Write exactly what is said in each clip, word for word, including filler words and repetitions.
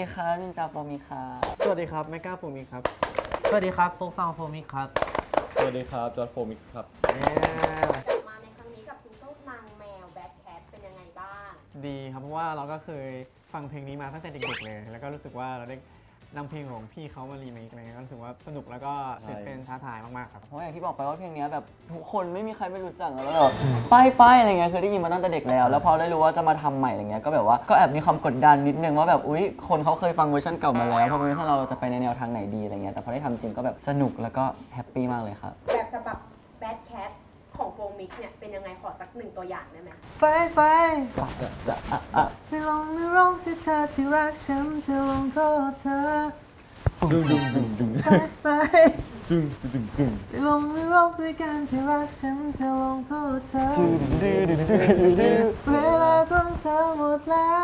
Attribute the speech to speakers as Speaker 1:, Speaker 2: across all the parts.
Speaker 1: ดีครับนินจาโฟมิครับ
Speaker 2: สวัสดีครับแมกกาโฟมิครับ
Speaker 3: สวัสดีครับโฟกซองโฟมิกครับ
Speaker 4: สวัสดีครับจอร์จโฟมิกส์ครับ
Speaker 5: มาในครั้งนี้กับซิงเกิลนางแมวแบทแคทเป็นยังไงบ้าง
Speaker 2: ดีครับเพราะว่าเราก็เคยฟังเพลงนี้มาตั้งแต่เด็กๆเลยแล้วก็รู้สึกว่าเราได้นำเพลงของพี่เขามารีเมคอะไรเงี้ยก็รู้สึกว่าสนุกแล้วก็ตื่นเต้นท้าทายมากๆครับ
Speaker 1: เพราะอย่างที่บอกไปว่าเพลงนี้แบบทุกคนไม่มีใครไม่รู้จักแล้วแบบป้ายป้ายอะไรเงี้ยคือได้ยินมาตั้งแต่เด็กแล้วแล้วพอได้รู้ว่าจะมาทำใหม่อะไรเงี้ยก็แบบว่าก็แอบมีความกดดันนิดนึงว่าแบบอุ๊ยคนเขาเคยฟังเวอร์ชันเก่ามาแล้วพอเวอร์ชันเราจะไปในแนวทางไหนดีอะไรเงี้ยแต่พอได้ทำจริงก็แบบสนุกแล้วก็แฮปปี้มากเลยครับ
Speaker 5: แบบฉบับแบทแคทของโฟมิกเนี่ยเป็นยังไงขอสักหนึ่งตัวอย่างได้ไหม
Speaker 3: ไปไป
Speaker 1: จะอ่ะอ่ะ
Speaker 3: ไม่ลองไม่ร้องสิเธอที่รักฉันจะลงโทษเธอ
Speaker 4: ดึงดึงดึงดึง
Speaker 3: ไปไป
Speaker 4: ดึงดึงดึง
Speaker 3: ไม่ลองไม่ร้องด้วยกันที่รักฉันจะลงโทษเธอเวลาของเธอหมดแล้ว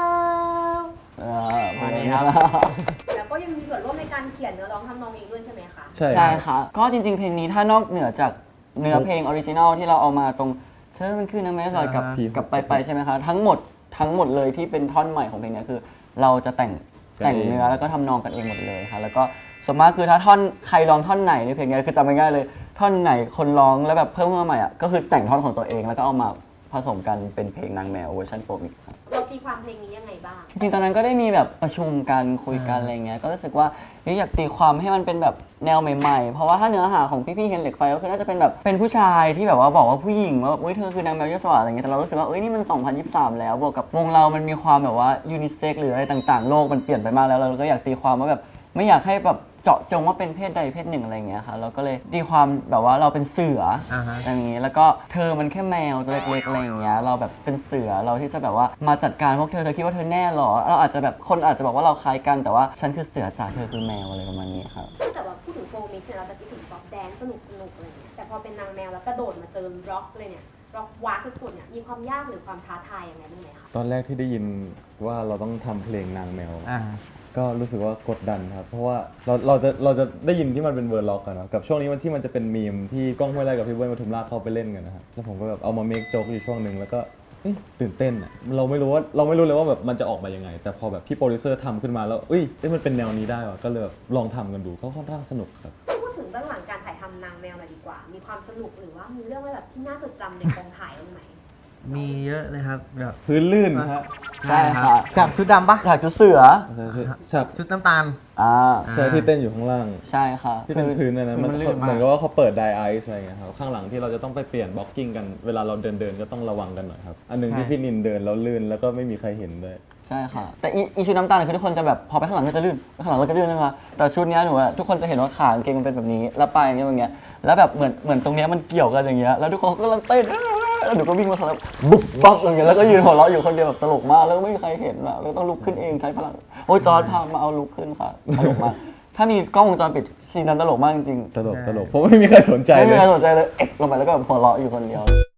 Speaker 1: มานี้ครับ
Speaker 5: แล้วก็ยังมีส่วนร่วมในการเขียนเนื้อร้องทำนองเองด้วยใช่ไหมคะ
Speaker 4: ใช่
Speaker 1: ใช่ค่ะก็จริงๆเพลงนี้ถ้านอกเหนือจากเนื้อเพลงออริจินอลที่เราเอามาตรงเธอมันคือน้ำแม่ลอยกับกับไปไปใช่ไหมคะทั้งหมดทั้งหมดเลยที่เป็นท่อนใหม่ของเพลงนี้คือ เราจะแต่งแต่งเนื้อแล้วก็ทำนองกันเองหมดเลยค่ะแล้วก็ส่วนมากคือถ้าท่อนใครร้องท่อนไหนในเพลงนี้คือจำง่ายๆเลยท่อนไหนคนร้องแล้วแบบเพิ่มขึ้นมาใหม่อ่ะก็คือแต่งท่อนของตัวเองแล้วก็เอามาผสมกันเป็นเพลงนางแมวเวอร์ชันโฟมิกครับ
Speaker 5: เราตีความเพลงนี้ยังไงบ้าง
Speaker 1: จริงๆตอนนั้นก็ได้มีแบบประชุมกันคุยกันอะไรเงี้ยก็รู้สึกว่าอยากตีความให้มันเป็นแบบแนวใหม่ๆเพราะว่าถ้าเนื้อหาของพี่ๆเฮนเหล็กไฟก็คือน่าจะเป็นแบบเป็นผู้ชายที่แบบว่าบอกว่าผู้หญิงว่าอุ้ยเธอคือนางแมวยศวรรษอะไรเงี้ยแต่เรารู้สึกว่าเอ้ยนี่มันสองพันยี่สิบสามแล้วบวกกับวงเรามันมีความแบบว่ายูนิเซ็กหรืออะไรต่างๆโลกมันเปลี่ยนไปมากแล้วเราก็อยากตีความว่าแบบไม่อยากให้แบบเจาะจงว่าเป็นเพศใดเพศหนึ่งอะไรเงี้ยค่ะเราก็เลยตีความแบบว่าเราเป็นเสืออย่างนี้แล้วก็เธอมันแค่แมวตัวเล็กๆอะไรอย่างเงี้ยเราแบบเป็นเสือเราที่จะแบบว่ามาจัดการพวกเธอเธอคิดว่าเธอแน่หรอเราอาจจะแบบคนอาจจะบอกว่าเราคล้ายกันแต่ว่าฉันคือเสือจ่าเธอคือแมวอะไรประมาณนี้ครับ
Speaker 5: แต่ว่าพูดถึงโฟมิกเนี่ยเราจะคิดถึงป๊อปแดนซ์สนุกสนุกอะไรเงี้ยแต่พอเป็นนางแมวแล้วกระโดดมาเจอร็อกเลยเนี่ยร็อกว้าสุดๆเนี่ยมีความยากหรือความท้าทายยังไงบ้างไหมคะ
Speaker 4: ตอนแรกที่ได้ยินว่าเราต้องทำเพลงนางแมวก็รู้สึกว่ากดดันครับเพราะว่าเราเราจะเราจะได้ยินที่มันเป็นเวอร์ล็อกกันนะกับช่วงนี้มันที่มันจะเป็นมีมที่ก้องห้วยไร่กับพี่เบิ้ลปทุมราชเข้าไปเล่นกันนะครับแล้วผมก็แบบเอามาเมคโจ๊กอยู่ช่วงหนึ่งแล้วก็ตื่นเต้นอ่ะเราไม่รู้ว่าเราไม่รู้เลยว่าแบบมันจะออกมายังไงแต่พอแบบพี่โปรดิวเซอร์ทำขึ้นมาแล้วเอ้ยมันเป็นแนวนี้ได้ว่ะก็เลยลองทำกันดูก็ค่อนข้างสนุกครับ
Speaker 5: พูดถึงเบื้องหลังการถ่ายทำนางแมวหน่อยดีกว่ามีความสนุกหรือว่ามีเรื่องอะไรแบบที่น่าจดจำในกองถ่ายบ้างไหม
Speaker 3: มีเยอะเลยครับแบบ
Speaker 4: พื้นลื่นครับ
Speaker 1: ใช่ค่ะ
Speaker 3: จากชุดดำปะ
Speaker 1: จากชุดเสือ
Speaker 4: ฉาก
Speaker 3: ชุดน้ำตาล
Speaker 1: อ่า
Speaker 4: ใช่ที่เต้นอยู่ข้างล่าง
Speaker 1: ใช่ค่ะ
Speaker 4: ที่เป็นพื้นนั่นมันเหมือนกับว่าเขาเปิดไดไอซ์อะไรเงี้ยครับข้างหลังที่เราจะต้องไปเปลี่ยนบล็อกกิ้งกันเวลาเราเดินเดินก็ต้องระวังกันหน่อยครับอันนึงที่พี่นินเดินแล้วลื่นแล้วก็ไม่มีใครเห็นด้วย
Speaker 1: ใช่ค่ะแต่อีชุดน้ำตาลคือทุกคนจะแบบพอไปข้างหลังก็จะลื่นข้างหลังก็จะลื่นนะคะแต่ชุดนี้หนูทุกคนจะเห็นว่าขากางเกงมันเป็นแบบนี้แล้วปลายอย่างเงี้ยอย่างเงี้ยแล้วแบบเหมือนเหมือนตรงนี้มันเกี่ยวกันอย่างเงี้ยแล้วทุกคนก็กำลังเต้นแล้วหนูก็วิ่งมาข้างหลังบุ๊บบ๊อบอย่างเงี้ยแล้วก็ยืนหัวเราะอยู่คนเดียวแบบตลกมากแล้วไม่มีใครเห็นอ่ะแล้วต้องลุกขึ้นเองใช้พลังโอ้ยจอร์จพามาเอาลุกขึ้นค่ะตลกมากถ้ามีกล้องวงจรปิดซีนนั้นตลกมากจริง
Speaker 4: ๆตลกตลกเพราะไม่มีใครสนใจเลย
Speaker 1: ไม่มีใครสนใจเลยเอ็กลงไปแล้วก็แบบหัวเราะอยู่คนเดียว